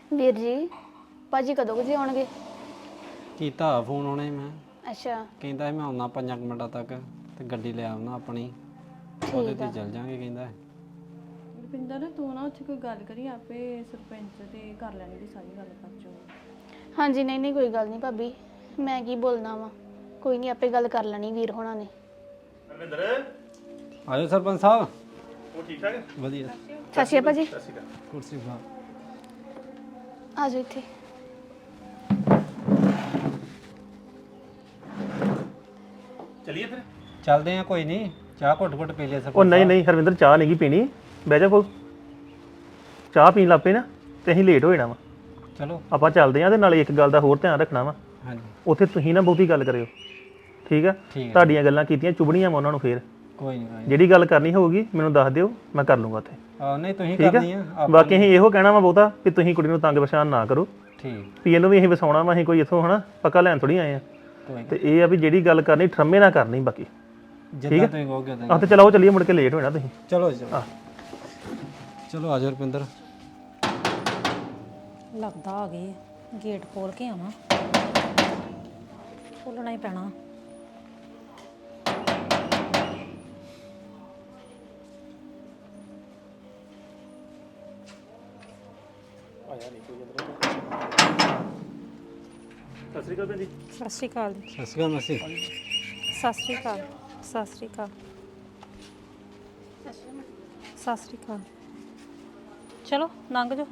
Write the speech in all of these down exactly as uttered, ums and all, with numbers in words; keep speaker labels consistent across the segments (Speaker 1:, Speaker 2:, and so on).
Speaker 1: ਵੀਰ ਜੀ ਭਾਜੀ ਕਦੋਂ ਕੁ ਜੀ ਆਉਣਗੇ?
Speaker 2: ਕੀਤਾ ਫੋਨ ਉਹਨੇ ਮੈਂ
Speaker 1: ਅੱਛਾ
Speaker 2: ਕਹਿੰਦਾ ਸੀ ਮੈਂ ਆਉਣਾ ਪੰਜਾਂ ਕੁ ਮਿੰਟਾਂ ਤੱਕ ਤੇ ਗੱਡੀ ਲੈ ਆਉਣਾ ਆਪਣੀ ਉਹਦੇ
Speaker 1: ਠੀਕ
Speaker 2: ਤੇ
Speaker 1: ਆ।
Speaker 2: ਚੱਲ ਜਾਾਂਗੇ ਕਹਿੰਦਾ।
Speaker 3: ਰੁਪਿੰਦਰ ਤੂੰ ਨਾ ਉੱਥੇ ਕੋਈ ਗੱਲ ਕਰੀ ਆਪੇ ਸਰਪੰਚ ਤੇ ਕਰ ਲੈਣਗੇ ਸਾਰੀ ਗੱਲ ਕਰ ਚੋ।
Speaker 1: ਹਾਂਜੀ ਨਹੀਂ ਨਹੀਂ ਕੋਈ ਗੱਲ ਨਹੀਂ ਭਾਬੀ, ਮੈਂ ਕੀ ਬੋਲਣਾ ਵਾ, ਕੋਈ ਨਹੀਂ ਆਪੇ ਗੱਲ ਕਰ ਲੈਣੀ ਵੀਰ ਹੋਣਾ ਨੇ।
Speaker 4: ਅਰਵਿੰਦਰ
Speaker 2: ਆਜੋ ਸਰਪੰਚ ਸਾਹਿਬ।
Speaker 4: ਉਹ ਠੀਕ ਠਾਕ?
Speaker 2: ਵਧੀਆ।
Speaker 1: ਸਤਿ ਸ਼੍ਰੀ ਅਕਾਲ ਭਾਜੀ।
Speaker 4: ਸਤਿ ਸ਼੍ਰੀ ਅਕਾਲ।
Speaker 2: ਕੁਰਸੀ ਖਾ।
Speaker 1: ਆ ਜਾਓ ਇੱਥੇ।
Speaker 4: ਚਲਿਏ ਫਿਰ।
Speaker 2: ਚੱਲਦੇ ਆ ਕੋਈ ਨਹੀਂ, ਚਾਹ ਘੁੱਟ ਘੁੱਟ ਪੀ ਲਿਆ ਸਰਪੰਚ
Speaker 4: ਉਹ ਨਹੀਂ ਨਹੀਂ ਹਰਵਿੰਦਰ ਚਾਹ ਨਹੀਂ ਗੀ ਪੀਣੀ, ਬਹਿ ਜਾ ਕੋਲ। ਚਾਹ ਪੀਣ ਲੱਗ ਪਏ ਨਾ ਤੇ ਅਸੀਂ ਲੇਟ ਹੋ ਜਾਣਾ ਵਾ।
Speaker 2: ਚਲੋ
Speaker 4: ਆਪਾਂ ਚੱਲਦੇ ਆਂ ਤੇ ਨਾਲੇ ਇੱਕ ਗੱਲ ਦਾ ਹੋਰ ਧਿਆਨ ਰੱਖਣਾ ਵਾ,
Speaker 2: ਹਾਂਜੀ
Speaker 4: ਉੱਥੇ ਤੁਸੀਂ ਨਾ ਬਹੁਤੀ ਗੱਲ ਕਰਿਓ, ਠੀਕ ਆ?
Speaker 2: ਠੀਕ ਹੈ।
Speaker 4: ਤੁਹਾਡੀਆਂ ਗੱਲਾਂ ਕੀਤੀਆਂ ਚੁਬਣੀਆਂ ਵਾ ਉਹਨਾਂ ਨੂੰ, ਫੇਰ
Speaker 2: ਕੋਈ ਨਹੀਂ ਕੋਈ
Speaker 4: ਜਿਹੜੀ ਗੱਲ ਕਰਨੀ ਹੋਊਗੀ ਮੈਨੂੰ ਦੱਸ ਦਿਓ, ਮੈਂ ਕਰ ਲੂੰਗਾ ਉੱਥੇ,
Speaker 2: ਆ ਨਹੀਂ ਤੁਸੀਂ
Speaker 4: ਠੀਕ
Speaker 2: ਕਰਨੀ
Speaker 4: ਆ?
Speaker 2: ਆ ਆਪਾਂ
Speaker 4: ਬਾਕੀ ਅਸੀਂ ਇਹੋ ਕਹਿਣਾ ਵਾ ਬਹੁਤਾ ਵੀ ਤੁਸੀਂ ਕੁੜੀ ਨੂੰ ਤੰਗ ਪਛਾਣ ਨਾ ਕਰੋ,
Speaker 2: ਠੀਕ
Speaker 4: ਵੀ ਇਹਨੂੰ ਵੀ ਅਸੀਂ ਵਸਾਉਣਾ ਵਾ, ਅਸੀਂ ਕੋਈ ਇੱਥੋਂ ਹਨਾ ਪੱਕਾ ਲੈਣ ਥੋੜੀ ਆਏ ਆ।
Speaker 2: ਕੋਈ
Speaker 4: ਤੇ ਇਹ ਆ ਵੀ ਜਿਹੜੀ ਗੱਲ ਕਰਨੀ ਠਰਮੇ ਨਾ ਕਰਨੀ ਬਾਕੀ।
Speaker 2: ਨਹੀਂ ਜਿੱਦਾਂ ਤੁਸੀਂ ਕਹੋਗੇ ਉਦਾਂ
Speaker 4: ਆਹ ਤੇ ਚਲੋ ਚੱਲੀਏ, ਮੁੜ ਕੇ ਲੇਟ ਹੋਣਾ ਤੁਸੀਂ।
Speaker 2: ਚਲੋ ਜੀ, ਚਲੋ ਚਲੋ ਆਜੋ ਰੁਪਿੰਦਰ।
Speaker 5: ਲੱਗਦਾ ਆ ਗਏ ਆ। ਗੇਟ ਖੋਲ ਕੇ ਆਵਾਂ, ਖੋਲਣਾ ਹੀ ਪੈਣਾ।
Speaker 4: ਸਤਿ ਸ਼੍ਰੀ ਅਕਾਲ ਭੈਣ ਜੀ।
Speaker 5: ਸਤਿ ਸ਼੍ਰੀ ਅਕਾਲ ਜੀ।
Speaker 2: ਸਤਿ ਸ਼੍ਰੀ ਅਕਾਲ ਮਸੀ।
Speaker 5: ਸਤਿ ਸ਼੍ਰੀ ਅਕਾਲ। ਸਤਿ ਸ਼੍ਰੀ ਅਕਾਲ। ਸਤਿ ਸ਼੍ਰੀ ਅਕਾਲ। ਚਲੋ ਲੰਘ ਜਾਓ।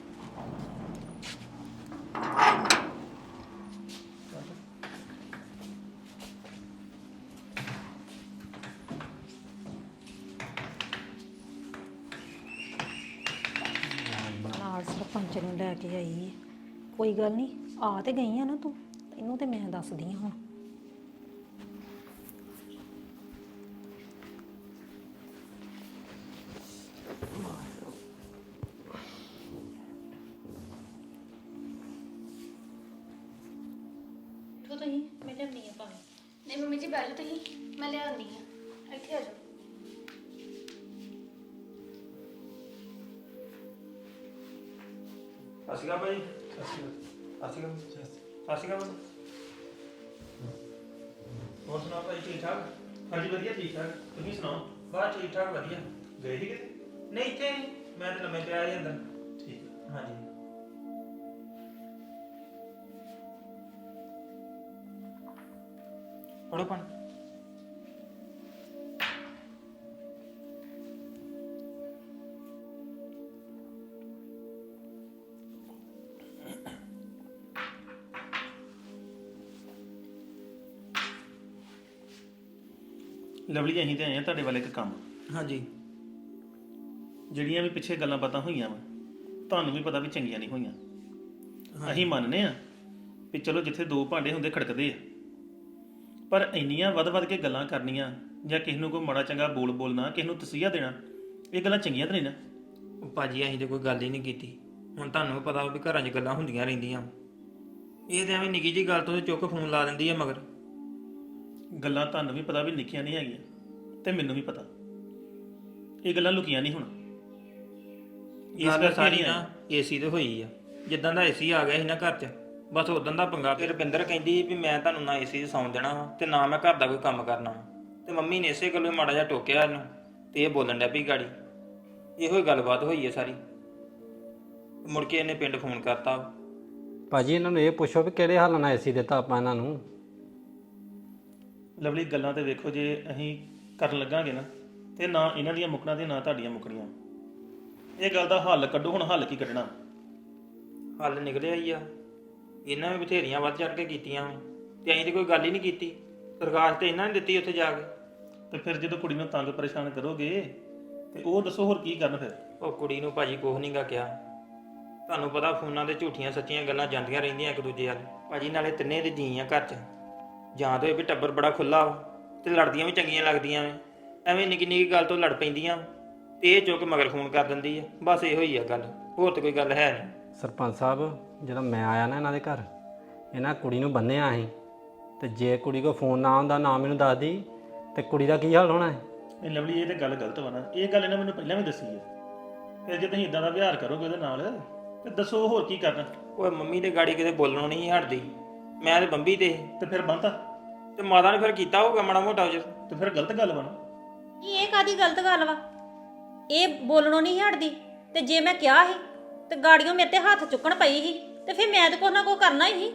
Speaker 5: ਨਾਲ ਸਰਪੰਚ ਨੂੰ ਲੈ ਕੇ ਆਈ ਹੈ। ਕੋਈ ਗੱਲ ਨਹੀਂ, ਆ ਤੇ ਗਈ ਆ ਨਾ ਤੂੰ, ਤੈਨੂੰ ਤੇ ਮੈਂ ਦੱਸਦੀ ਹਾਂ ਹੁਣ। ਤੂੰ ਤਾਂ ਹੀ ਮੈਂ ਲਿਆਉਣੀ ਆ ਪਾਣੀ।
Speaker 1: ਨਹੀਂ ਮੰਮੀ ਜੀ ਬੈਠੋ ਤੁਸੀਂ, ਮੈਂ ਲਿਆਉਂਦੀ ਆ, ਇੱਥੇ ਆ ਜਾਓ।
Speaker 4: ਸਤਿ ਸ਼੍ਰੀ ਅਕਾਲ ਭਾਈ। ਸਤਿ ਸ਼੍ਰੀ ਅਕਾਲ। ਸਤਿ ਸ਼੍ਰੀ ਅਕਾਲ। ਸਤਿ ਸ਼੍ਰੀ ਅਕਾਲ। ਹੋਰ ਸੁਣਾਓ ਭਾਈ, ਠੀਕ ਠਾਕ? ਹਾਂਜੀ ਵਧੀਆ ਠੀਕ ਠਾਕ, ਤੁਸੀਂ ਸੁਣਾਓ?
Speaker 6: ਬਸ ਠੀਕ ਠਾਕ ਵਧੀਆ।
Speaker 4: ਗਏ ਸੀ ਕਿਤੇ?
Speaker 6: ਨਹੀਂ ਇੱਥੇ ਮੈਂ ਤਾਂ ਲੰਮੇ ਪਿਆ ਹੀ ਅੰਦਰ।
Speaker 4: ਠੀਕ।
Speaker 6: ਹਾਂਜੀ ਪੜੋ ਪਾਣੀ।
Speaker 4: ਲਵਲੀ ਅਸੀਂ ਤੇ ਆਏ ਆ ਤੁਹਾਡੇ ਵੱਲ ਇੱਕ ਕੰਮ।
Speaker 6: ਹਾਂਜੀ
Speaker 4: ਜਿਹੜੀਆਂ ਵੀ ਪਿੱਛੇ ਗੱਲਾਂ ਬਾਤਾਂ ਹੋਈਆਂ ਵਾ, ਤੁਹਾਨੂੰ ਵੀ ਪਤਾ ਵੀ ਚੰਗੀਆਂ ਨਹੀਂ ਹੋਈਆਂ। ਅਸੀਂ ਮੰਨਨੇ ਆ ਵੀ ਚਲੋ ਜਿੱਥੇ ਦੋ ਭਾਂਡੇ ਹੁੰਦੇ ਖੜਕਦੇ ਆ, ਪਰ ਇੰਨੀਆਂ ਵੱਧ-ਵੱਧ ਕੇ ਗੱਲਾਂ ਕਰਨੀਆਂ ਜਾਂ ਕਿਸੇ ਨੂੰ ਕੋਈ ਮਾੜਾ ਚੰਗਾ ਬੋਲ ਬੋਲਣਾ, ਕਿਸੇ ਨੂੰ ਤਸੀਹਾ ਦੇਣਾ, ਇਹ ਗੱਲਾਂ ਚੰਗੀਆਂ ਤਾਂ ਨਹੀਂ ਨਾ।
Speaker 6: ਉਹ ਭਾਜੀ ਅਸੀਂ ਤੇ ਕੋਈ ਗੱਲ ਹੀ ਨਹੀਂ ਕੀਤੀ। ਹੁਣ ਤੁਹਾਨੂੰ ਵੀ ਪਤਾ ਵੀ ਘਰਾਂ 'ਚ ਗੱਲਾਂ ਹੁੰਦੀਆਂ ਰਹਿੰਦੀਆਂ। ਇਹ ਤੇ ਐਵੇਂ ਨਿੱਕੀ ਜਿਹੀ ਗੱਲ ਤੋਂ ਚੁੱਕ ਫੋਨ ਲਾ ਦਿੰਦੀ ਆ ਮਗਰ।
Speaker 4: ਗੱਲਾਂ ਤੁਹਾਨੂੰ ਵੀ ਪਤਾ ਵੀ ਲਿਖੀਆਂ ਨਹੀਂ ਹੈਗੀਆਂ ਤੇ ਮੈਨੂੰ ਵੀ ਪਤਾ, ਇਹ ਗੱਲਾਂ ਲੁਕੀਆਂ ਨਹੀਂ ਹੁਣ। ਇਸ
Speaker 6: ਗੱਲ
Speaker 4: ਕਰਕੇ
Speaker 6: ਸਾਰੀ
Speaker 4: ਨਹੀਂ
Speaker 6: ਨਾ ਏਸੀ ਤੇ ਹੋਈ ਆ। ਜਿੱਦਾਂ ਦਾ ਏਸੀ ਆ ਗਿਆ ਸੀ ਨਾ ਘਰ 'ਚ, ਬਸ ਉਦੋਂ ਦਾ ਪੰਗਾ। ਫਿਰ ਰੁਪਿੰਦਰ ਕਹਿੰਦੀ ਵੀ ਮੈਂ ਤੁਹਾਨੂੰ ਨਾ ਏਸੀ 'ਚ ਸੌਣ ਦੇਣਾ ਵਾ ਤੇ ਨਾ ਮੈਂ ਘਰ ਦਾ ਕੋਈ ਕੰਮ ਕਰਨਾ ਵਾ। ਤੇ ਮੰਮੀ ਨੇ ਇਸੇ ਗੱਲੋਂ ਮਾੜਾ ਜਿਹਾ ਟੋਕਿਆ ਇਹਨੂੰ ਤੇ ਇਹ ਬੋਲਣ ਡਿਆ ਵੀ ਗਾੜੀ। ਇਹੋ ਹੀ ਗੱਲਬਾਤ ਹੋਈ ਹੈ ਸਾਰੀ। ਮੁੜ ਕੇ ਇਹਨੇ ਪਿੰਡ ਫੋਨ ਕਰਤਾ।
Speaker 2: ਭਾਜੀ ਇਹਨਾਂ ਨੂੰ ਇਹ ਪੁੱਛੋ ਵੀ ਕਿਹੜੇ ਹਾਲ ਨਾਲ ਏਸੀ ਦਿੱਤਾ ਆਪਾਂ ਇਹਨਾਂ ਨੂੰ।
Speaker 4: ਲਵਲੀ ਗੱਲਾਂ ਤੇ ਵੇਖੋ, ਜੇ ਅਸੀਂ ਕਰਨ ਲੱਗਾਂਗੇ ਨਾ ਤੇ ਨਾ ਇਹਨਾਂ ਦੀਆਂ ਮੁੱਕਣਾ ਤੇ ਨਾ ਤੁਹਾਡੀਆਂ ਮੁੱਕਣੀਆਂ। ਇਹ ਗੱਲ ਦਾ ਹੱਲ ਕੱਢੋ, ਹੁਣ ਹੱਲ ਕੀ ਕੱਢਣਾ?
Speaker 6: ਹੱਲ ਨਿਕਲਿਆ ਹੀ ਆ। ਇਹਨਾਂ ਵੀ ਬਥੇਰੀਆਂ ਵੱਧ ਚੜ ਕੇ ਕੀਤੀਆਂ ਵਾ ਤੇ ਅਸੀਂ ਤੇ ਕੋਈ ਗੱਲ ਹੀ ਨਹੀਂ ਕੀਤੀ। ਸਰਕਾਰ ਤੇ ਇਹਨਾਂ ਨੇ ਦਿੱਤੀ ਉੱਥੇ ਜਾ ਕੇ।
Speaker 4: ਤੇ ਫਿਰ ਜਦੋਂ ਕੁੜੀ ਨੂੰ ਤੰਗ ਪਰੇਸ਼ਾਨ ਕਰੋਗੇ ਤੇ ਉਹ ਦੱਸੋ ਹੋਰ ਕੀ ਕਰਨ ਫਿਰ?
Speaker 6: ਉਹ ਕੁੜੀ ਨੂੰ ਭਾਜੀ ਕੁਛ ਨਹੀਂ ਗਾ ਕਿਹਾ। ਤੁਹਾਨੂੰ ਪਤਾ ਫੋਨਾਂ ਤੇ ਝੂਠੀਆਂ ਸੱਚੀਆਂ ਗੱਲਾਂ ਜਾਂਦੀਆਂ ਰਹਿੰਦੀਆਂ ਇੱਕ ਦੂਜੇ ਵੱਲ। ਭਾਜੀ ਨਾਲੇ ਤਿੰਨੇ ਦੇ ਜੀ ਆ ਘਰ 'ਚ, ਜਾਂ ਤਾਂ ਇਹ ਵੀ ਟੱਬਰ ਬੜਾ ਖੁੱਲਾ ਵਾ ਤੇ ਲੜਦੀਆਂ ਵੀ ਚੰਗੀਆਂ ਲੱਗਦੀਆਂ ਵੇ। ਐਵੇਂ ਨਿੱਕੀ ਨਿੱਕੀ ਗੱਲ ਤੋਂ ਲੜ ਪੈਂਦੀਆਂ ਤੇ ਇਹ ਚੁੱਕ ਮਗਰ ਫੋਨ ਕਰ ਦਿੰਦੀ ਆ। ਬਸ ਇਹੋ ਹੀ ਆ ਗੱਲ, ਹੋਰ ਤਾਂ ਕੋਈ ਗੱਲ ਹੈ ਨਹੀਂ।
Speaker 2: ਸਰਪੰਚ ਸਾਹਿਬ ਜਦੋਂ ਮੈਂ ਆਇਆ ਨਾ ਇਹਨਾਂ ਦੇ ਘਰ, ਇਹਨਾਂ ਕੁੜੀ ਨੂੰ ਬੰਨਿਆ ਅਸੀਂ, ਤੇ ਜੇ ਕੁੜੀ ਕੋ ਫੋਨ ਨਾ ਆਉਂਦਾ ਨਾ ਮੈਨੂੰ ਦੱਸਦੀ ਤੇ ਕੁੜੀ ਦਾ ਕੀ ਹਾਲ ਹੋਣਾ ਹੈ?
Speaker 4: ਇਹ ਲਵਲੀ ਇਹ ਤੇ ਗੱਲ ਗਲਤ ਵਾ ਨਾ। ਇਹ ਗੱਲ ਇਹਨਾਂ ਮੈਨੂੰ ਪਹਿਲਾਂ ਵੀ ਦੱਸੀ ਹੈ। ਫਿਰ ਜੇ ਤੁਸੀਂ ਇਦਾਂ ਦਾ ਵਿਹਾਰ ਕਰੋਗੇ ਉਹਦੇ ਨਾਲ ਤੇ ਦੱਸੋ ਹੋਰ ਕੀ ਕਰਨਾ
Speaker 6: ਓਏ ਮੰਮੀ ਤੇ ਗਾੜੀ ਕਿਤੇ ਬੋਲਣੋਂ ਨਹੀਂ ਹਟਦੀ, ਮੈਂ ਤੇ ਬੰਬੀ ਤੇ ਸੀ।
Speaker 4: ਤੇ ਫਿਰ ਬੰਤਾ
Speaker 6: ਤੇ ਮਾਤਾ ਨੇ ਫਿਰ ਕੀਤਾ ਹੋਊਗਾ ਮਾੜਾ ਮੋਟਾ ਉਜਰ।
Speaker 4: ਤੇ ਫਿਰ ਗਲਤ ਗੱਲ ਬਣਾ।
Speaker 5: ਕੀ ਇਹ ਕਾਦੀ ਗਲਤ ਗੱਲ ਵਾ? ਇਹ ਬੋਲਣੋਂ ਨਹੀਂ ਹਟਦੀ ਤੇ ਜੇ ਮੈਂ ਕਿਹਾ ਸੀ ਤੇ ਗਾੜੀਆਂ ਮੇਰੇ ਤੇ ਹੱਥ ਚੁੱਕਣ ਪਈ ਸੀ ਤੇ ਫਿਰ ਮੈਂ ਤਾਂ ਕੁਛ ਨਾ ਕੁਛ ਕਰਨਾ ਹੀ ਸੀ।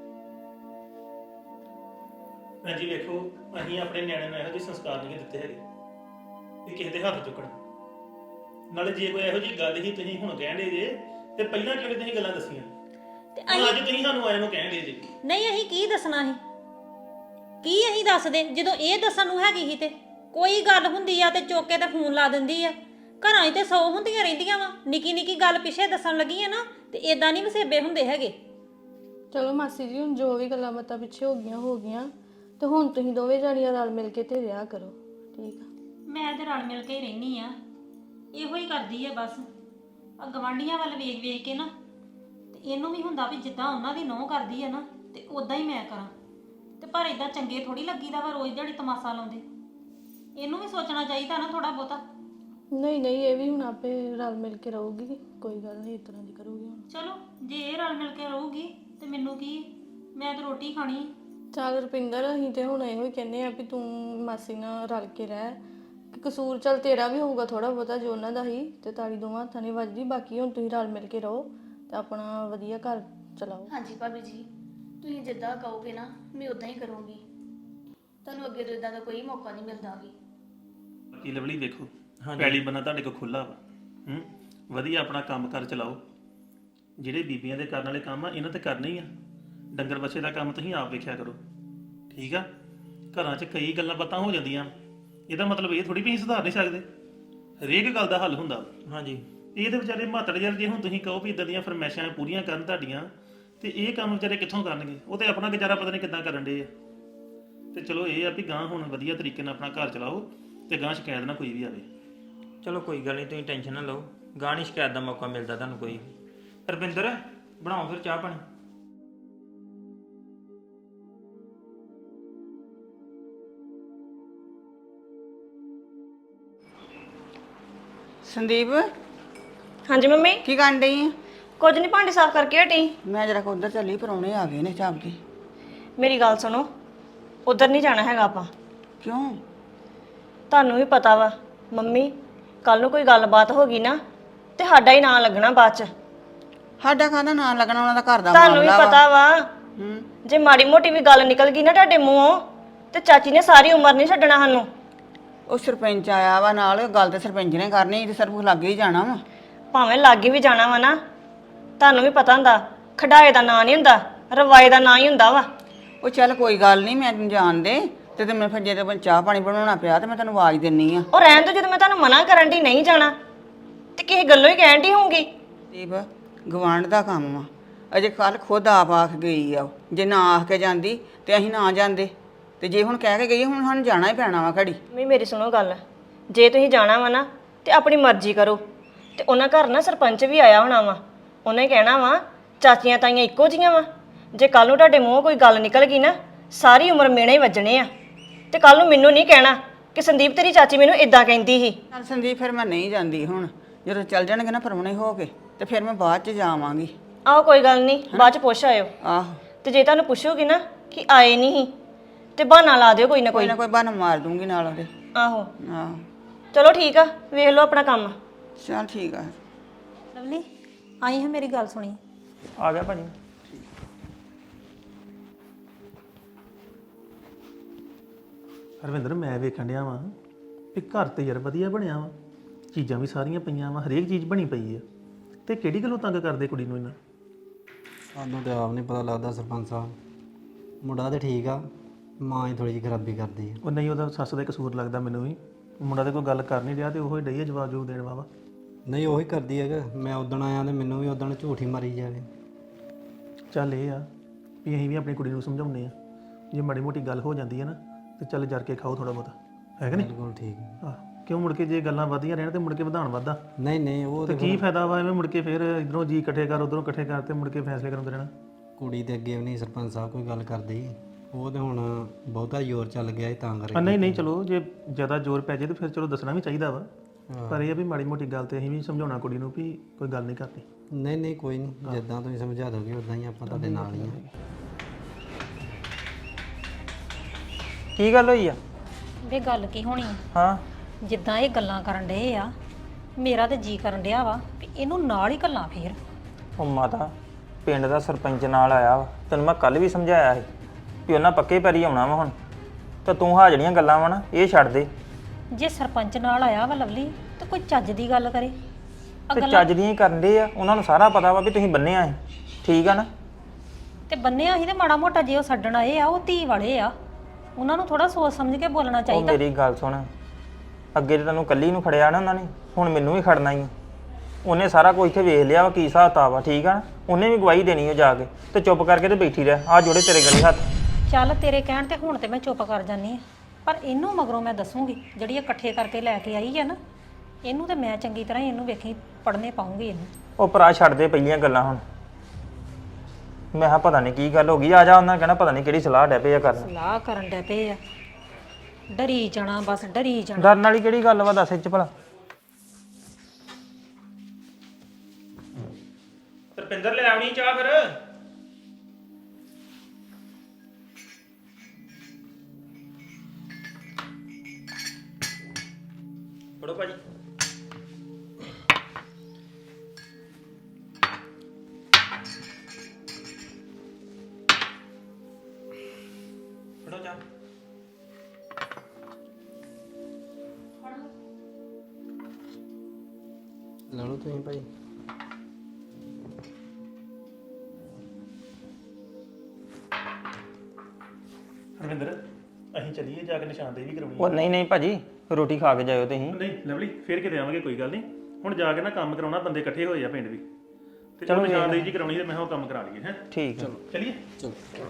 Speaker 4: ਭੈਣ ਜੀ ਵੇਖੋ, ਅਸੀਂ ਆਪਣੇ ਨਿਆਣਿਆਂ ਨੂੰ ਇਹੋ ਜਿਹੇ ਸੰਸਕਾਰ ਨਹੀਂ ਦਿੱਤੇ ਹੈਗੇ ਵੀ ਕਿਸੇ ਦੇ ਹੱਥ ਚੁੱਕਣ। ਨਾਲੇ ਜੇ ਕੋਈ ਇਹੋ ਜਿਹੀ ਗੱਲ ਹੀ ਤੁਸੀਂ ਹੁਣ ਕਹਿੰਦੇ ਜੇ ਤੇ ਪਹਿਲਾਂ ਕਿਉਂ ਨੀ ਤੁਸੀਂ ਗੱਲਾਂ ਦੱਸੀਆਂ?
Speaker 5: ਤੇ
Speaker 4: ਹੁਣ ਅੱਜ
Speaker 5: ਅਸੀਂ
Speaker 4: ਤੁਸੀਂ ਸਾਨੂੰ ਆਏ ਨੂੰ ਕਹਿੰਦੇ ਜੇ।
Speaker 5: ਨਹੀਂ ਅਸੀਂ ਕੀ ਦੱਸਣਾ ਸੀ? ਕੀ ਅਸੀਂ ਦੱਸਦੇ ਜਦੋਂ ਇਹ ਦੱਸਣ ਨੂੰ ਹੈਗੀ ਸੀ? ਤੇ ਕੋਈ ਗੱਲ ਹੁੰਦੀ ਆ ਤੇ ਚੁੱਕ ਕੇ ਤੇ ਫੋਨ ਲਾ ਦਿੰਦੀ ਆ। ਘਰਾਂ 'ਚ ਤੇ ਸੌ ਹੁੰਦੀਆਂ ਰਹਿੰਦੀਆਂ ਵਾ, ਨਿੱਕੀ ਨਿੱਕੀ ਗੱਲ ਪਿੱਛੇ ਦੱਸਣ ਲੱਗੀ ਆ ਨਾ ਤੇ ਇਦਾਂ ਨਹੀਂ ਵਸੇਬੇ ਹੁੰਦੇ ਹੈਗੇ।
Speaker 3: ਚਲੋ ਮਾਸੀ ਜੀ, ਹੁਣ ਜੋ ਵੀ ਗੱਲਾਂ ਬਾਤਾਂ ਪਿੱਛੇ ਹੋ ਗਈਆਂ ਹੋ ਗਈਆਂ, ਤੇ ਹੁਣ ਤੁਸੀਂ ਦੋਵੇਂ ਜਾਣੀਆਂ ਰਲ ਮਿਲ ਕੇ ਤੇ ਰਿਹਾ ਕਰੋ, ਠੀਕ ਆ?
Speaker 5: ਮੈਂ ਤੇ ਰਲ ਮਿਲ ਕੇ ਹੀ ਰਹਿਨੀ ਆ, ਇਹੋ ਹੀ ਕਰਦੀ ਆ ਬਸ। ਆ ਗਵਾਂਢੀਆਂ ਵੱਲ ਵੇਖ ਵੇਖ ਕੇ ਨਾ ਤੇ ਇਹਨੂੰ ਵੀ ਹੁੰਦਾ ਵੀ ਜਿੱਦਾਂ ਉਹਨਾਂ ਦੀ ਨਹੁੰ ਕਰਦੀ ਆ ਨਾ ਤੇ ਉਦਾਂ ਹੀ ਮੈਂ ਕਰਾਂ। ਤੇ ਪਰ ਇਦਾਂ ਚੰਗੇ ਥੋੜੀ ਲੱਗੀਦਾ ਵਾ ਰੋਜ਼ ਦਿਹਾੜੀ ਤਮਾਸ਼ਾ ਲਾਉਂਦੇ। ਇਹਨੂੰ ਵੀ ਸੋਚਣਾ ਚਾਹੀਦਾ ਨਾ ਥੋੜਾ ਬਹੁਤਾ।
Speaker 3: ਨਹੀਂ ਨਹੀਂ, ਇਹ ਵੀ ਹੁਣ ਆਪੇ ਰਲ ਮਿਲ ਕੇ ਰਹੂਗੀ, ਕੋਈ ਗੱਲ ਨਹੀਂ, ਇਸ ਤਰ੍ਹਾਂ ਦੀ ਕਰੂਗੀ ਹੁਣ।
Speaker 5: ਚਲੋ ਜੇ ਇਹ ਰਲ ਮਿਲ ਕੇ ਰਹੂਗੀ ਤੇ ਮੈਨੂੰ ਕੀ, ਮੈਂ ਤਾਂ ਰੋਟੀ ਖਾਣੀ।
Speaker 3: ਚੱਲ ਰੁਪਿੰਦਰ, ਅਸੀਂ ਤੇ ਹੁਣ ਇਹੋ ਹੀ ਕਹਿੰਦੇ ਆ ਵੀ ਤੂੰ ਮਾਸੀ ਨਾਲ ਰਲ ਕੇ ਰਹਿ। ਕਿ ਕਸੂਰ ਚੱਲ ਤੇਰਾ ਵੀ ਹੋਊਗਾ ਥੋੜਾ ਬਹੁਤਾ, ਜੋ ਉਹਨਾਂ ਦਾ ਹੀ, ਤੇ ਤਾੜੀ ਦੋਵਾਂ ਹੱਥਾਂ ਨਹੀਂ ਵੱਜਦੀ। ਬਾਕੀ ਹੁਣ ਤੁਸੀਂ ਰਲ ਮਿਲ ਕੇ ਰਹੋ ਤੇ ਆਪਣਾ ਵਧੀਆ ਘਰ ਚਲਾਓ।
Speaker 1: ਹਾਂਜੀ ਭਾਬੀ ਜੀ, ਤੁਸੀਂ ਜਿੱਦਾਂ ਕਹੋਗੇ ਨਾ ਮੈਂ ਉਦਾਂ ਹੀ ਕਰੂੰਗੀ। ਤੁਹਾਨੂੰ ਅੱਗੇ ਤੋਂ ਇਦਾਂ ਦਾ ਕੋਈ ਮੌਕਾ ਨਹੀਂ ਮਿਲਦਾ ਵੀ।
Speaker 4: ਬਾਕੀ ਲਵਲੀ ਵੇਖੋ, ਪੈਲੀ ਬੰਨਾ ਤੁਹਾਡੇ ਕੋਲ ਖੁੱਲਾ ਵਾ। ਹੂੰ, ਵਧੀਆ ਆਪਣਾ ਕੰਮ ਕਰ ਚਲਾਓ। ਜਿਹੜੇ ਬੀਬੀਆਂ ਦੇ ਕਰਨ ਵਾਲੇ ਕੰਮ ਆ ਇਹਨਾਂ ਤੇ ਕਰਨੇ ਹੀ ਆ। ਡੰਗਰ ਬੱਚੇ ਦਾ ਕੰਮ ਤੁਸੀਂ ਆਪ ਵੇਖਿਆ ਕਰੋ, ਠੀਕ ਆ? ਘਰਾਂ 'ਚ ਕਈ ਗੱਲਾਂ ਬਾਤਾਂ ਹੋ ਜਾਂਦੀਆਂ, ਇਹਦਾ ਮਤਲਬ ਇਹ ਥੋੜੀ ਵੀ ਅਸੀਂ ਸੁਧਾਰ ਨਹੀਂ ਸਕਦੇ। ਹਰੇਕ ਗੱਲ ਦਾ ਹੱਲ ਹੁੰਦਾ ਵਾ।
Speaker 6: ਹਾਂਜੀ,
Speaker 4: ਇਹ ਤੇ ਵਿਚਾਰੇ ਮਾਤੜ ਯਾਰ, ਜੇ ਹੁਣ ਤੁਸੀਂ ਕਹੋ ਵੀ ਇਦਾਂ ਦੀਆਂ ਫਰਮੈਸ਼ਾਂ ਪੂਰੀਆਂ ਕਰਨ ਤੁਹਾਡੀਆਂ, ਤੇ ਇਹ ਕੰਮ ਵਿਚਾਰੇ ਕਿੱਥੋਂ ਕਰਨਗੇ? ਉਹ ਤੇ ਆਪਣਾ ਗੁਜ਼ਾਰਾ ਪਤਾ ਨਹੀਂ ਕਿੱਦਾਂ ਕਰਨ ਡੇ ਆ। ਤੇ ਚਲੋ ਇਹ ਆ ਵੀ ਗਾਂ ਹੁਣ ਵਧੀਆ ਤਰੀਕੇ ਨਾਲ ਆਪਣਾ ਘਰ ਚਲਾਓ ਤੇ ਗਾਂ ਸ਼ਿਕਾਇਤ ਨਾ ਕੋਈ ਵੀ ਆਵੇ।
Speaker 6: ਚਲੋ ਕੋਈ ਗੱਲ ਨਹੀਂ, ਤੁਸੀਂ ਟੈਨਸ਼ਨ ਨਾ ਲਓ, ਗਾਹ ਨਹੀਂ ਸ਼ਿਕਾਇਤ ਦਾ ਮੌਕਾ ਮਿਲਦਾ ਤੁਹਾਨੂੰ ਕੋਈ। ਰੁਪਿੰਦਰ, ਬਣਾਓ ਫਿਰ ਚਾਹ ਪਾਣੀ।
Speaker 7: ਸੰਦੀਪ,
Speaker 8: ਹਾਂਜੀ ਮੰਮੀ,
Speaker 7: ਕੀ ਕਰਨ ਡਈ ਆ?
Speaker 8: ਕੁਝ ਨਹੀਂ, ਭਾਂਡੇ ਸਾਫ਼ ਕਰਕੇ ਹਟੀ।
Speaker 7: ਮੈਂ ਜਰਾ ਉਧਰ ਚੱਲੀ, ਪਰੌਣੇ ਆ ਗਏ ਨੇ ਚਾਪ ਕੇ।
Speaker 8: ਮੇਰੀ ਗੱਲ ਸੁਣੋ, ਉਧਰ ਨਹੀਂ ਜਾਣਾ ਹੈਗਾ ਆਪਾਂ।
Speaker 7: ਕਿਉਂ?
Speaker 8: ਤੁਹਾਨੂੰ ਵੀ ਪਤਾ ਵਾ ਮੰਮੀ, ਕੱਲ ਨੂੰ ਕੋਈ ਗੱਲਬਾਤ ਹੋ ਗਈ ਨਾ ਤੇ ਸਾਡਾ ਹੀ ਨਾਂ ਲੱਗਣਾ ਬਾਅਦ ਚ।
Speaker 7: ਸਾਡਾ ਕਾਹਦਾ ਨਾਂ ਲੱਗਣਾ? ਉਹਨਾਂ ਦਾ ਘਰ ਦਾ
Speaker 8: ਤੁਹਾਨੂੰ ਵੀ
Speaker 7: ਮਾਮਲਾ
Speaker 8: ਪਤਾ ਵਾ,
Speaker 7: ਹੂੰ।
Speaker 8: ਜੇ ਮਾੜੀ ਮੋਟੀ ਵੀ ਗੱਲ ਨਿਕਲ ਗਈ ਨਾ ਤੁਹਾਡੇ ਮੂੰਹੋਂ ਤੇ ਚਾਚੀ ਨੇ ਸਾਰੀ ਉਮਰ ਨਹੀਂ ਛੱਡਣਾ ਸਾਨੂੰ।
Speaker 7: ਉਹ ਸਰਪੰਚ ਆਇਆ ਵਾ ਨਾਲ, ਗੱਲ ਤੇ ਸਰਪੰਚ ਨੇ ਕਰਨੀ ਤੇ ਸਿਰਫ ਲੱਗੇ ਹੀ ਜਾਣਾ ਵਾ।
Speaker 8: ਭਾਵੇਂ ਲਾਗੇ ਵੀ ਜਾਣਾ ਵਾ ਨਾ, ਤੁਹਾਨੂੰ ਵੀ ਪਤਾ ਹੁੰਦਾ ਖਡਾਏ ਦਾ ਨਾਂ ਨਹੀਂ ਹੁੰਦਾ, ਰਵਾਏ ਦਾ ਨਾਂ ਹੀ ਹੁੰਦਾ ਵਾ।
Speaker 7: ਉਹ ਚੱਲ ਕੋਈ ਗੱਲ ਨਹੀਂ, ਮੈਂ ਤੈਨੂੰ ਜਾਣਦੇ ਤੇ ਤੇ ਮੈਂ ਫਿਰ ਜੇ ਤੇ ਚਾਹ ਪਾਣੀ ਬਣਾਉਣਾ ਪਿਆ ਤੇ ਮੈਂ ਤੈਨੂੰ ਆਵਾਜ਼ ਦਿੰਨੀ ਆ।
Speaker 8: ਉਹ ਰਹਿਣ ਤੋਂ, ਜਦੋਂ ਮੈਂ ਤੁਹਾਨੂੰ ਮਨਾ ਕਰਨ ਦੀ ਨਹੀਂ ਜਾਣਾ ਤੇ ਕਿਸੇ ਗੱਲੋਂ ਹੀ ਕਹਿਣ ਦੀ ਹੋਊਗੀ।
Speaker 7: ਦੀਪ, ਗਵਾਂਢ ਦਾ ਕੰਮ ਵਾ। ਅਜੇ ਕੱਲ ਖੁਦ ਆਪ ਆਖ ਗਈ ਆ ਉਹ। ਜੇ ਨਾ ਆਖ ਕੇ ਜਾਂਦੀ ਤੇ ਅਸੀਂ ਨਾ ਜਾਂਦੇ, ਤੇ ਜੇ ਹੁਣ ਕਹਿ ਕੇ ਗਈ ਹੁਣ ਸਾਨੂੰ ਜਾਣਾ ਹੀ ਪੈਣਾ ਵਾ ਘੜੀ।
Speaker 8: ਮੰਮੀ ਮੇਰੀ ਸੁਣੋ ਗੱਲ, ਜੇ ਤੁਸੀਂ ਜਾਣਾ ਵਾ ਨਾ ਤੇ ਆਪਣੀ ਮਰਜ਼ੀ ਕਰੋ। ਤੇ ਉਹਨਾਂ ਘਰ ਨਾ ਸਰਪੰਚ ਵੀ ਆਇਆ ਹੋਣਾ ਵਾ, ਉਹਨੇ ਕਹਿਣਾ ਵਾ ਚਾਚੀਆਂ ਤਾਈਆਂ ਇੱਕੋ ਜੀਆਂ ਵਾ। ਜੇ ਕੱਲ ਨੂੰ ਤੁਹਾਡੇ ਮੂੰਹੋਂ ਕੋਈ ਗੱਲ ਨਿਕਲ ਗਈ ਨਾ, ਸਾਰੀ ਉਮਰ ਮੇਣੇ ਹੀ ਵੱਜਣੇ ਆ। ਤੇ ਕੱਲ ਨੂੰ ਮੈਨੂੰ ਨਹੀਂ ਕਹਿਣਾ ਕਿ ਸੰਦੀਪ ਤੇਰੀ ਚਾਚੀ ਮੈਨੂੰ ਇਦਾਂ ਕਹਿੰਦੀ ਸੀ।
Speaker 7: ਚੱਲ ਸੰਦੀਪ, ਫਿਰ ਮੈਂ ਨਹੀਂ ਜਾਂਦੀ ਹੁਣ। ਜਦੋਂ ਚੱਲ ਜਾਣਗੇ ਨਾ ਪਰਮਣੇ ਹੋ ਕੇ ਤੇ ਫਿਰ ਮੈਂ ਬਾਅਦ ਚ ਜਾਵਾਂਗੀ।
Speaker 8: ਆਹੋ ਕੋਈ ਗੱਲ ਨਹੀਂ, ਬਾਅਦ ਚ ਪੁੱਛ ਆਇਓ।
Speaker 7: ਆਹੋ,
Speaker 8: ਤੇ ਜੇ ਤੁਹਾਨੂੰ ਪੁੱਛੋਗੀ ਨਾ ਕਿ ਆਏ ਨਹੀਂ ਤੇ ਬਹਾਨਾ ਲਾ ਦਿਓ ਕੋਈ ਨਾ
Speaker 7: ਕੋਈ
Speaker 8: ਕੋਈ।
Speaker 7: ਨਾ ਕੋਈ ਬਹਾਨਾ ਮਾਰ ਦੂੰਗੀ ਨਾਲ ਉਹਦੇ।
Speaker 8: ਆਹੋ
Speaker 7: ਆਹੋ,
Speaker 8: ਚਲੋ ਠੀਕ ਆ, ਵੇਖ ਲਓ ਆਪਣਾ ਕੰਮ।
Speaker 7: ਚੱਲ ਠੀਕ ਆ।
Speaker 5: ਲਵਲੀ, ਆਈ ਹੈ, ਮੇਰੀ ਗੱਲ ਸੁਣੀ।
Speaker 6: ਆ ਗਿਆ ਭਾਜੀ।
Speaker 4: ਹਰਵਿੰਦਰ, ਮੈਂ ਵੇਖਣ ਡਿਆ ਵਾਂ ਵੀ ਘਰ ਤੇ ਯਾਰ ਵਧੀਆ ਬਣਿਆ ਵਾ, ਚੀਜ਼ਾਂ ਵੀ ਸਾਰੀਆਂ ਪਈਆਂ ਵਾ, ਹਰੇਕ ਚੀਜ਼ ਬਣੀ ਪਈ ਆ, ਤੇ ਕਿਹੜੀ ਗੱਲੋਂ ਤੰਗ ਕਰਦੇ ਕੁੜੀ ਨੂੰ ਇਹਨਾਂ?
Speaker 2: ਸਾਨੂੰ ਤੇ ਆਪ ਨਹੀਂ ਪਤਾ ਲੱਗਦਾ ਸਰਪੰਚ ਸਾਹਿਬ। ਮੁੰਡਾ ਤੇ ਠੀਕ ਆ, ਮਾਂ ਹੀ ਥੋੜੀ ਜਿਹੀ ਖਰਾਬੀ ਕਰਦੀ ਆ।
Speaker 4: ਉਹ ਨਹੀਂ, ਉਹਦਾ ਸੱਸ ਦਾ ਹੀ ਕਸੂਰ ਲੱਗਦਾ ਮੈਨੂੰ ਵੀ। ਮੁੰਡਾ ਤੇ ਕੋਈ ਗੱਲ ਕਰ ਨਹੀਂ ਰਿਹਾ ਤੇ ਉਹ ਹੀ ਡਈ ਆ ਜਵਾਬ ਜੂਬ ਦੇਣ ਵਾਵਾ।
Speaker 2: ਨਹੀਂ ਉਹੀ ਕਰਦੀ ਹੈਗਾ। ਮੈਂ ਉਦਣ ਆਇਆ ਤੇ ਮੈਨੂੰ ਵੀ ਉਦਣ ਝੂਠ ਹੀ ਮਾਰੀ ਜਾਵੇ।
Speaker 4: ਚੱਲ ਇਹ ਆ ਵੀ ਅਸੀਂ ਵੀ ਆਪਣੀ ਕੁੜੀ ਨੂੰ ਸਮਝਾਉਂਦੇ ਆ, ਜੇ ਮਾੜੀ ਮੋਟੀ ਗੱਲ ਹੋ ਜਾਂਦੀ ਹੈ ਨਾ ਤੇ ਚੱਲ ਜਰ ਕੇ ਖਾਓ ਥੋੜਾ ਬਹੁਤਾ, ਹੈ ਕਿ ਨਹੀਂ?
Speaker 2: ਬਿਲਕੁਲ ਠੀਕ।
Speaker 4: ਆਹ, ਕਿਉਂ ਮੁੜ ਕੇ ਜੇ ਗੱਲਾਂ ਵਧੀਆਂ ਰਹਿਣ ਤੇ ਮੁੜ ਕੇ ਵਧਾਉਣ ਵੱਧਦਾ
Speaker 2: ਨਹੀਂ ਨਹੀਂ, ਉਹ
Speaker 4: ਤੇ
Speaker 2: ਤੇ
Speaker 4: ਕੀ ਫਾਇਦਾ ਵਾ ਐਵੇਂ ਮੁੜ ਕੇ ਫਿਰ ਇਧਰੋਂ ਜੀ ਇਕੱਠੇ ਕਰ ਉਧਰੋਂ ਇਕੱਠੇ ਕਰ ਤੇ ਮੁੜ ਕੇ ਫੈਸਲੇ ਕਰਾਉਂਦੇ ਰਹਿਣਾ।
Speaker 2: ਕੁੜੀ ਦੇ ਅੱਗੇ ਵੀ ਨਹੀਂ ਸਰਪੰਚ ਸਾਹਿਬ ਕੋਈ ਗੱਲ ਕਰਦੀ। ਉਹ ਤੇ ਹੁਣ ਬਹੁਤਾ ਜ਼ੋਰ ਚੱਲ ਗਿਆ ਸੀ ਤਾਂ
Speaker 4: ਆ
Speaker 2: ਕਰਕੇ।
Speaker 4: ਨਹੀਂ ਨਹੀਂ, ਚਲੋ ਜੇ ਜ਼ਿਆਦਾ ਜ਼ੋਰ ਪੈ ਜੇ ਤੇ ਫਿਰ ਚਲੋ ਦੱਸਣਾ ਵੀ ਚਾਹੀਦਾ ਵਾ ਪਰ ਇਹ ਆ ਵੀ ਮਾੜੀ ਮੋਟੀ ਗੱਲ ਤੇ ਅਸੀਂ ਵੀ ਸਮਝਾਉਣਾ ਕੁੜੀ ਨੂੰ ਵੀ ਕੋਈ ਗੱਲ ਨਹੀਂ ਕਰਨੀ।
Speaker 2: ਨਹੀਂ ਨਹੀਂ ਕੋਈ ਨਹੀਂ, ਜਿੱਦਾਂ ਤੁਸੀਂ ਸਮਝਾ ਦੋਗੇ ਉਦਾਂ ਹੀ ਆਪਾਂ ਤੁਹਾਡੇ ਨਾਲ ਹੀ ਆ।
Speaker 6: ਕੀ ਗੱਲ ਹੋਈ ਆ?
Speaker 5: ਵੇ ਗੱਲ ਕੀ ਹੋਣੀ ਆ?
Speaker 6: ਹਾਂ
Speaker 5: ਜਿੱਦਾਂ ਇਹ ਗੱਲਾਂ ਕਰਨ ਡਏ ਆ, ਮੇਰਾ ਤੇ ਜੀ ਕਰਨ ਡਿਆ ਵਾ ਵੀ ਇਹਨੂੰ ਨਾਲ ਹੀ ਗੱਲਾਂ ਫੇਰ।
Speaker 6: ਉਹ ਮਾਤਾ ਪਿੰਡ ਦਾ ਸਰਪੰਚ ਨਾਲ ਆਇਆ ਵਾ, ਤੈਨੂੰ ਮੈਂ ਕੱਲ ਵੀ ਸਮਝਾਇਆ ਸੀ ਵੀ ਉਹਨਾਂ ਪੱਕੇ ਪੈਰੀ ਆਉਣਾ ਵਾ ਹੁਣ, ਤਾਂ ਤੂੰ ਹਾਂ ਜਿਹੜੀਆਂ ਗੱਲਾਂ ਵਾ ਨਾ ਇਹ ਛੱਡ ਦੇ।
Speaker 5: ਜੇ ਸਰਪੰਚ ਨਾਲ ਆਇਆ ਵਾ ਲਵਲੀ ਤੇ ਕੋਈ ਚੱਜ ਦੀ ਗੱਲ ਕਰੇ। ਆ
Speaker 6: ਤੇ
Speaker 5: ਗੱਲਾਂ
Speaker 6: ਚੱਜ ਦੀਆਂ ਹੀ ਕਰਨ ਦੇ ਆ, ਉਹਨਾਂ ਨੂੰ ਸਾਰਾ ਪਤਾ ਵਾ ਵੀ ਤੁਸੀਂ ਬੰਨਿਆ ਹੈ, ਠੀਕ ਆ ਨਾ?
Speaker 5: ਤੇ ਬੰਨਿਆ ਸੀ ਤੇ ਮਾੜਾ ਮੋਟਾ ਜੇ ਉਹ ਛੱਡਣ ਆਏ ਆ, ਉਹ ਧੀ ਵਾਲੇ ਆ, ਉਹਨਾਂ ਨੂੰ ਥੋੜਾ ਸੋਚ ਸਮਝ ਕੇ ਬੋਲਣਾ
Speaker 6: ਉਹ
Speaker 5: ਚਾਹੀਦਾ।
Speaker 6: ਮੇਰੀ ਗੱਲ ਸੁਣ, ਅੱਗੇ ਤੇ ਤੈਨੂੰ ਕੱਲੀ ਨੂੰ ਖੜਿਆ ਨਾ ਉਹਨਾਂ ਨੇ, ਹੁਣ ਮੈਨੂੰ ਵੀ ਖੜਨਾ ਹੀ ਆ। ਉਹਨੇ ਸਾਰਾ ਕੁਝ ਇੱਥੇ ਵੇਖ ਲਿਆ ਵਾ ਕੀ ਹਿਸਾਬ ਤਾ ਵਾ, ਠੀਕ ਆ ਨਾ? ਉਹਨੇ ਵੀ ਗਵਾਹੀ ਦੇਣੀ ਉਹ ਜਾ ਕੇ, ਤੇ ਚੁੱਪ ਕਰਕੇ ਤੇ ਬੈਠੀ ਰਹਿ, ਆ ਜੋੜੇ ਤੇਰੇ ਗਲੇ ਹੱਥ।
Speaker 5: ਚੱਲ ਤੇਰੇ ਕਹਿਣ ਤੇ ਹੁਣ ਤੇ ਮੈਂ ਚੁੱਪ ਕਰ ਜਾਨੀ ਆ, ਪਰ ਇਹਨੂੰ ਮਗਰੋਂ ਮੈਂ ਦੱਸੂਗੀ, ਜਿਹੜੀ ਇਹ ਇਕੱਠੇ ਕਰਕੇ ਲੈ ਕੇ ਆਈ ਹੈ ਨਾ, ਇਹਨੂੰ ਤੇ ਮੈਂ ਚੰਗੀ ਤਰ੍ਹਾਂ ਹੀ ਇਹਨੂੰ ਵੇਖੀ ਪੜ੍ਹਨੇ ਪਾਉਂਗੀ ਇਹਨੂੰ।
Speaker 6: ਉਹ ਭਰਾ ਛੱਡ ਦੇ ਪਹਿਲੀਆਂ ਗੱਲਾਂ ਹੁਣ। ਮੈਂ ਕਿਹਾ ਪਤਾ ਨਹੀਂ ਕੀ ਗੱਲ ਹੋ ਗਈ, ਆ ਜਾ, ਉਹਨਾਂ ਕਹਿਣਾ ਪਤਾ ਨਹੀਂ ਕਿਹੜੀ ਸਲਾਹ ਡੈ ਪਏ ਆ ਕਰਨ।
Speaker 5: ਸਲਾਹ ਕਰਨ ਡੈ ਪਏ ਆ, ਡਰੀ ਜਾਣਾ ਬਸ ਡਰੀ ਜਾਣਾ।
Speaker 6: ਡਰਨ ਵਾਲੀ ਕਿਹੜੀ ਗੱਲ ਵਾ ਦੱਸ ਇੱਚ ਭਲਾ? ਰੁਪਿੰਦਰ ਲੈ ਆਉਣੀ ਚਾਹ ਫਿਰ। ਫੜੋ ਭਾਜੀ। ਫੜੋ ਚਾਹ।
Speaker 2: ਲੈ ਲਓ ਤੁਸੀਂ ਭਾਈ।
Speaker 4: ਰਵਿੰਦਰ ਅਸੀਂ ਚੱਲੀਏ ਜਾ ਕੇ ਨਿਸ਼ਾਨਦੇਹੀ ਕਰਾਉਣੀ
Speaker 6: ਉਹ ਨਹੀਂ ਨਹੀਂ ਭਾਜੀ, ਰੋਟੀ ਖਾ ਕੇ ਜਾਇਓ ਤੁਸੀਂ।
Speaker 4: ਨਹੀਂ ਲਵਲੀ ਫੇਰ ਕਿਤੇ ਆਵਾਂਗੇ, ਕੋਈ ਗੱਲ ਨਹੀਂ। ਹੁਣ ਜਾ ਕੇ ਨਾ ਕੰਮ ਕਰਾਉਣਾ, ਬੰਦੇ ਇਕੱਠੇ ਹੋਏ ਆ ਪਿੰਡ ਵੀ, ਤੇ ਚਲੋ ਨਿਸ਼ਾਨਦੇਹੀ ਜੀ ਕਰਾਉਣੀ, ਤੇ ਮੈਂ ਉਹ ਕੰਮ ਕਰਾ ਲਈਏ। ਹੈ
Speaker 6: ਠੀਕ ਹੈ।
Speaker 4: ਚਲਿਏ।
Speaker 2: ਚਲੋ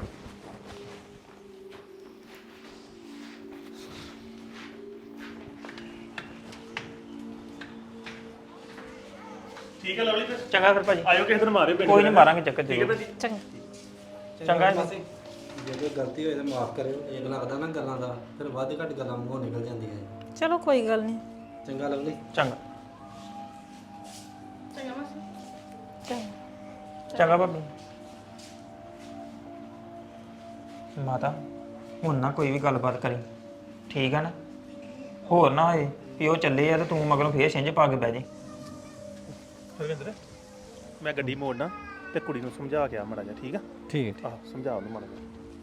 Speaker 4: ਠੀਕ ਹੈ ਲਵਲੀ, ਫਿਰ
Speaker 6: ਚੰਗਾ ਫਿਰ ਭਾਜੀ,
Speaker 4: ਆਇਓ ਕਿਸੇ ਦਿਨ ਮਾਰਿਓ ਪਿੰਡ।
Speaker 6: ਕੋਈ ਨਹੀਂ ਮਾਰਾਂਗੇ ਚੱਕਰ
Speaker 4: ਠੀਕ ਹੈ
Speaker 6: ਜ਼ਰੂਰ।
Speaker 4: ਭਾਜੀ।
Speaker 5: ਚੰਗਾ
Speaker 6: ਚੰਗਾ ਜੀ।
Speaker 2: ਮਾਸੀ, ਜੇ ਕੋਈ ਗਲਤੀ ਹੋਏ ਤਾਂ ਮਾਫ ਕਰਿਓ। ਇਹ ਲੱਗਦਾ ਨਾ ਗੱਲਾਂ ਦਾ, ਫਿਰ ਵੱਧ ਘੱਟ ਗੱਲਾਂ ਮੂੰਹੋਂ ਨਿਕਲ ਜਾਂਦੀਆਂ ਹੈ।
Speaker 5: ਚਲੋ ਕੋਈ ਗੱਲ ਨਹੀਂ।
Speaker 2: ਚੰਗਾ ਲਵਲੀ।
Speaker 6: ਚੰਗਾ
Speaker 3: ਚੰਗਾ ਮਾਸੀ।
Speaker 5: ਚੰਗਾ
Speaker 6: ਚੰਗਾ ਭਾਬੀ। ਮਾਤਾ ਹੁਣ ਨਾ ਕੋਈ ਵੀ ਗੱਲਬਾਤ ਕਰੀ, ਠੀਕ ਆ ਨਾ? ਹੋਰ ਨਾ ਹੋਏ ਵੀ ਉਹ ਚੱਲੇ ਆ ਤੇ ਤੂੰ ਮਗਰੋਂ ਫੇਰ ਛਿੰਝ ਪਾ ਕੇ ਬਹਿ ਜੇ।
Speaker 4: ਰਵਿੰਦਰ ਮੈਂ ਗੱਡੀ ਮੋੜਨਾ ਤੇ ਕੁੜੀ ਨੂੰ ਸਮਝਾ ਕੇ ਆ ਮਾੜਾ ਜਿਹਾ, ਠੀਕ ਆ?
Speaker 2: ਠੀਕ ਹੈ।
Speaker 4: ਆਹ ਸਮਝਾ ਉਹਨੂੰ ਮਾੜਾ ਜਿਹਾ।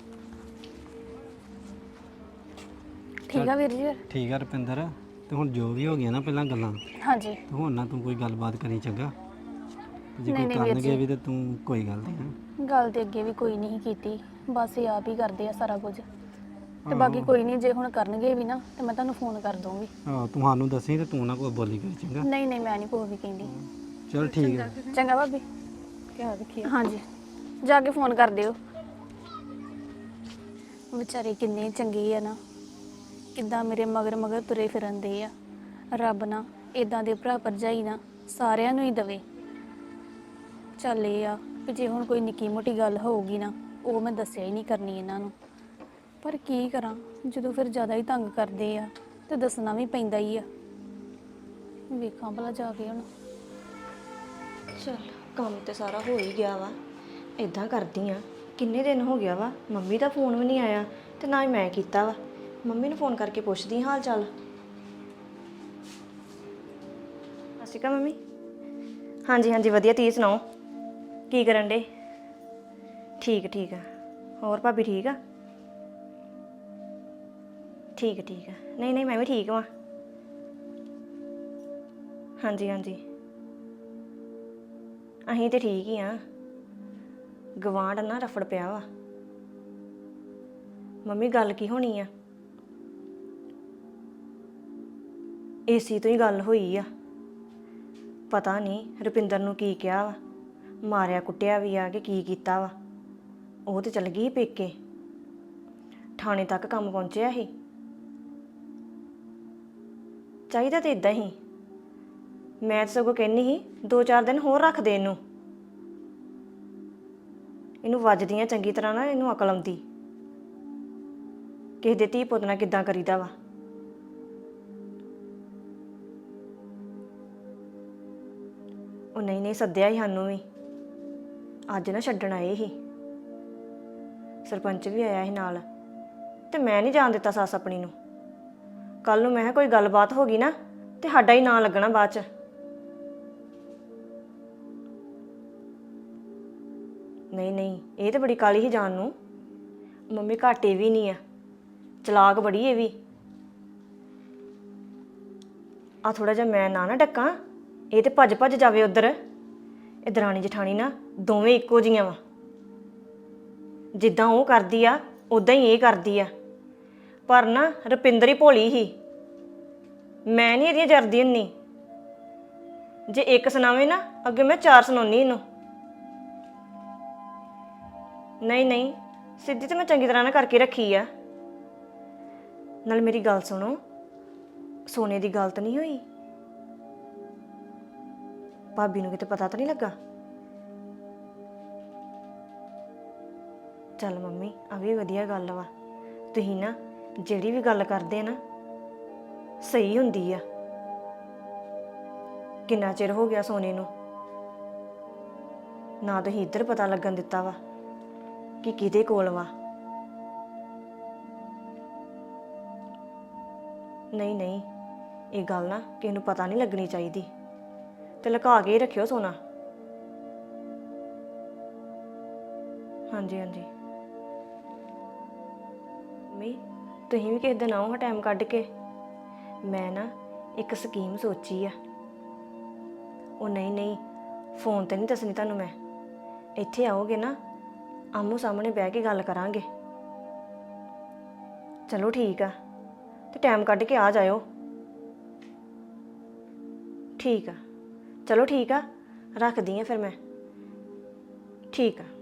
Speaker 1: ਠੀਕ ਆ ਵੀਰ ਜੀ ਫਿਰ।
Speaker 2: ਠੀਕ ਆ ਰੁਪਿੰਦਰ, ਤੇ ਹੁਣ ਜੋ ਵੀ ਹੋ ਗਿਆ ਨਾ ਪਹਿਲਾਂ ਗੱਲਾਂ,
Speaker 1: ਹਾਂਜੀ
Speaker 2: ਤੇ ਹੁਣ ਨਾ ਤੂੰ ਕੋਈ ਗੱਲਬਾਤ ਕਰੀ, ਚੰਗਾ? ਤੇ ਜੇ
Speaker 1: ਨਹੀਂ,
Speaker 2: ਕੋਈ
Speaker 1: ਨਹੀਂ ਵੀਰ
Speaker 2: ਕਰਨਗੇ
Speaker 1: ਜੀ।
Speaker 2: ਵੀ ਤੇ ਤੂੰ ਕੋਈ ਗੱਲ ਨਹੀਂ ਹੈ।
Speaker 1: ਗੱਲ ਤੇ ਅੱਗੇ ਵੀ ਕੋਈ ਨਹੀਂ ਕੀਤੀ, ਬਸ ਇਹ ਆਪ ਹੀ ਕਰਦੇ ਆ ਸਾਰਾ ਕੁਝ। ਤੇ ਬਾਕੀ ਕੋਈ ਨਹੀਂ, ਜੇ ਹੁਣ ਕਰਨਗੇ ਵੀ ਨਾ ਤੇ ਮੈਂ ਤੁਹਾਨੂੰ ਫੋਨ ਕਰ ਦੂੰਗੀ।
Speaker 2: ਹਾਂ ਤੂੰ ਸਾਨੂੰ ਦੱਸੀ ਤੇ ਤੂੰ ਨਾ ਕੋਈ ਬੋਲੀ ਕਰੀ, ਚੰਗਾ?
Speaker 1: ਨਹੀਂ ਨਹੀਂ ਮੈਂ ਨਹੀਂ ਕੋਈ ਵੀ ਕਹਿੰਦੀ।
Speaker 2: ਚਲ ਠੀਕ ਹੈ।
Speaker 1: ਚੰਗਾ ਭਾਬੀ।
Speaker 3: ਧਿਆਨ ਰੱਖੀ।
Speaker 1: ਹਾਂਜੀ ਜਾ ਕੇ ਫੋਨ ਕਰ ਦਿਓ। ਵਿਚਾਰੇ ਕਿੰਨੇ ਚੰਗੇ ਆ ਨਾ, ਕਿੱਦਾਂ ਮੇਰੇ ਮਗਰ ਮਗਰ ਤੁਰੇ ਫਿਰਨਦੇ ਆ। ਰੱਬ ਨਾ ਇਦਾਂ ਦੇ ਭਰਾ ਭਰਜਾਈ ਨਾ ਸਾਰਿਆਂ ਨੂੰ ਹੀ ਦਵੇ। ਚੱਲ ਇਹ ਆ ਕਿ ਜੇ ਹੁਣ ਕੋਈ ਨਿੱਕੀ ਮੋਟੀ ਗੱਲ ਹੋਊਗੀ ਨਾ, ਉਹ ਮੈਂ ਦੱਸਿਆ ਹੀ ਨਹੀਂ ਕਰਨੀ ਇਹਨਾਂ ਨੂੰ। ਪਰ ਕੀ ਕਰਾਂ, ਜਦੋਂ ਫਿਰ ਜ਼ਿਆਦਾ ਹੀ ਤੰਗ ਕਰਦੇ ਆ ਤੇ ਦੱਸਣਾ ਵੀ ਪੈਂਦਾ ਹੀ ਆ। ਵੇਖਾਂ ਭਲਾ ਜਾ ਕੇ ਹੁਣ।
Speaker 8: ਚਲ ਕੰਮ ਤੇ ਸਾਰਾ ਹੋ ਹੀ ਗਿਆ ਵਾ। ਇਦਾਂ ਕਰਦੀ ਆ, ਕਿੰਨੇ ਦਿਨ ਹੋ ਗਿਆ ਵਾ, ਮੰਮੀ ਦਾ ਫੋਨ ਵੀ ਨਹੀਂ ਆਇਆ ਤੇ ਨਾ ਹੀ ਮੈਂ ਕੀਤਾ ਵਾ। ਮੰਮੀ ਨੂੰ ਫੋਨ ਕਰਕੇ ਪੁੱਛਦੀ ਹਾਲ ਚਾਲ। ਸਤਿ ਸ਼੍ਰੀ ਅਕਾਲ ਮੰਮੀ। ਹਾਂਜੀ ਹਾਂਜੀ ਵਧੀਆ, ਤੁਸੀਂ ਸੁਣਾਓ ਕੀ ਕਰਨ ਡੇ? ਠੀਕ ਠੀਕ ਆ। ਹੋਰ ਭਾਬੀ ਠੀਕ ਆ? ਠੀਕ ਆ ਠੀਕ ਆ। ਨਹੀਂ ਨਹੀਂ ਮੈਂ ਵੀ ਠੀਕ ਵਾਂ। ਹਾਂਜੀ ਹਾਂਜੀ ਅਸੀਂ ਤੇ ਠੀਕ ਹੀ ਆ। ਗਵਾਂਢ ਨਾ ਰਫੜ ਪਿਆ ਵਾ। ਮੰਮੀ ਗੱਲ ਕੀ ਹੋਣੀ ਆ? ਏਸੀ ਤੋਂ ਹੀ ਗੱਲ ਹੋਈ ਆ। ਪਤਾ ਨਹੀਂ ਰੁਪਿੰਦਰ ਨੂੰ ਕੀ ਕਿਹਾ ਵਾ, ਮਾਰਿਆ ਕੁੱਟਿਆ ਵੀ ਆ ਕਿ ਕੀ ਕੀਤਾ ਵਾ। ਉਹ ਤੇ ਚਲ ਗਈ ਪੇਕੇ, ਥਾਣੇ ਤੱਕ ਕੰਮ ਪਹੁੰਚਿਆ ਸੀ। ਚਾਹੀਦਾ ਤੇ ਇਦਾਂ ਹੀ। ਮੈਂ ਤਾਂ ਸਗੋਂ ਕਹਿੰਦੀ ਸੀ ਦੋ ਚਾਰ ਦਿਨ ਹੋਰ ਰੱਖ ਦੇ ਇਹਨੂੰ। ਇਹਨੂੰ ਵੱਜਦੀਆਂ ਚੰਗੀ ਤਰ੍ਹਾਂ ਨਾ, ਇਹਨੂੰ ਅਕਲ ਆਉਂਦੀ ਕਿਸੇ ਦੇ ਧੀ ਪੁੱਤ ਨਾਲ ਕਿੱਦਾਂ ਕਰੀਦਾ ਵਾ। ਉਹ ਨਹੀਂ ਨਹੀਂ ਸੱਦਿਆ ਹੀ ਸਾਨੂੰ ਵੀ ਅੱਜ ਨਾ ਛੱਡਣ ਆਏ ਸੀ ਸਰਪੰਚ ਵੀ ਆਇਆ ਸੀ ਨਾਲ ਤੇ ਮੈਂ ਨਹੀਂ ਜਾਣ ਦਿੱਤਾ ਸੱਸ ਆਪਣੀ ਨੂੰ ਕੱਲ ਨੂੰ ਮੈਂ ਕਿਹਾ ਕੋਈ ਗੱਲਬਾਤ ਹੋ ਗਈ ਨਾ ਤੇ ਸਾਡਾ ਹੀ ਨਾਂ ਲੱਗਣਾ ਬਾਅਦ ਚ ਨਹੀਂ ਨਹੀਂ ਇਹ ਤੇ ਬੜੀ ਕਾਲੀ ਹੀ ਜਾਣ ਨੂੰ ਮੰਮੀ ਘਾਟੇ ਵੀ ਨਹੀਂ ਆ ਚਲਾਕ ਬੜੀ ਇਹ ਵੀ ਆ ਥੋੜਾ ਜਿਹਾ ਮੈਂ ਨਾ ਨਾ ਡੱਕਾਂ ਇਹ ਤੇ ਭੱਜ ਭੱਜ ਜਾਵੇ ਉਧਰ ਇਹ ਦਰਾਣੀ ਜਠਾਣੀ ਨਾ ਦੋਵੇਂ ਇੱਕੋ ਜੀਆਂ ਵਾ ਜਿੱਦਾਂ ਉਹ ਕਰਦੀ ਆ ਉਦਾਂ ਹੀ ਇਹ ਕਰਦੀ ਆ ਪਰ ਨਾ ਰੁਪਿੰਦਰ ਹੀ ਭੋਲੀ ਹੀ ਮੈਂ ਨਹੀਂ ਇਹਦੀਆਂ ਜਰਦੀ ਹੁੰਨੀ ਜੇ ਇੱਕ ਸੁਣਾਵੇ ਨਾ ਅੱਗੇ ਮੈਂ ਚਾਰ ਸੁਣਾਉਣੀ ਇਹਨੂੰ ਨਹੀਂ ਨਹੀਂ ਸਿੱਧੀ ਤੇ ਮੈਂ ਚੰਗੀ ਤਰ੍ਹਾਂ ਨਾ ਕਰਕੇ ਰੱਖੀ ਆ ਨਾਲ ਮੇਰੀ ਗੱਲ ਸੁਣੋ ਸੋਨੇ ਦੀ ਗੱਲ ਤਾਂ ਨਹੀਂ ਹੋਈ ਭਾਬੀ ਨੂੰ ਕਿਤੇ ਪਤਾ ਤਾਂ ਨਹੀਂ ਲੱਗਾ ਚੱਲ ਮੰਮੀ ਆ ਵੀ ਵਧੀਆ ਗੱਲ ਵਾ ਤੁਸੀਂ ਨਾ ਜਿਹੜੀ ਵੀ ਗੱਲ ਕਰਦੇ ਆ ਨਾ ਸਹੀ ਹੁੰਦੀ ਆ ਕਿੰਨਾ ਚਿਰ ਹੋ ਗਿਆ ਸੋਨੇ ਨੂੰ ਨਾ ਤੁਸੀਂ ਇੱਧਰ ਪਤਾ ਲੱਗਣ ਦਿੱਤਾ ਵਾ ਕਿ ਕਿਹਦੇ ਕੋਲ ਵਾ ਨਹੀਂ ਨਹੀਂ ਇਹ ਗੱਲ ਨਾ ਕਿਸੇ ਨੂੰ ਪਤਾ ਨਹੀਂ ਲੱਗਣੀ ਚਾਹੀਦੀ ਤੇ ਲੁਕਾ ਕੇ ਹੀ ਰੱਖਿਓ ਸੋਨਾ ਹਾਂਜੀ ਹਾਂਜੀ ਮੰਮੀ ਤੁਸੀਂ ਵੀ ਕਿਸੇ ਦਿਨ ਆਓ ਹਾਂ ਟਾਈਮ ਕੱਢ ਕੇ ਮੈਂ ਨਾ ਇੱਕ ਸਕੀਮ ਸੋਚੀ ਆ ਉਹ ਨਹੀਂ ਨਹੀਂ ਫੋਨ ਤੇ ਨਹੀਂ ਦੱਸਣੀ ਤੁਹਾਨੂੰ ਮੈਂ ਇੱਥੇ ਆਓਗੇ ਨਾ ਆਮੋ ਸਾਹਮਣੇ ਬਹਿ ਕੇ ਗੱਲ ਕਰਾਂਗੇ ਚਲੋ ਠੀਕ ਆ ਤੇ ਟਾਈਮ ਕੱਢ ਕੇ ਆ ਜਾਇਓ ਠੀਕ ਆ ਚਲੋ ਠੀਕ ਆ ਰੱਖਦੀ ਆ ਫਿਰ ਮੈਂ ਠੀਕ ਆ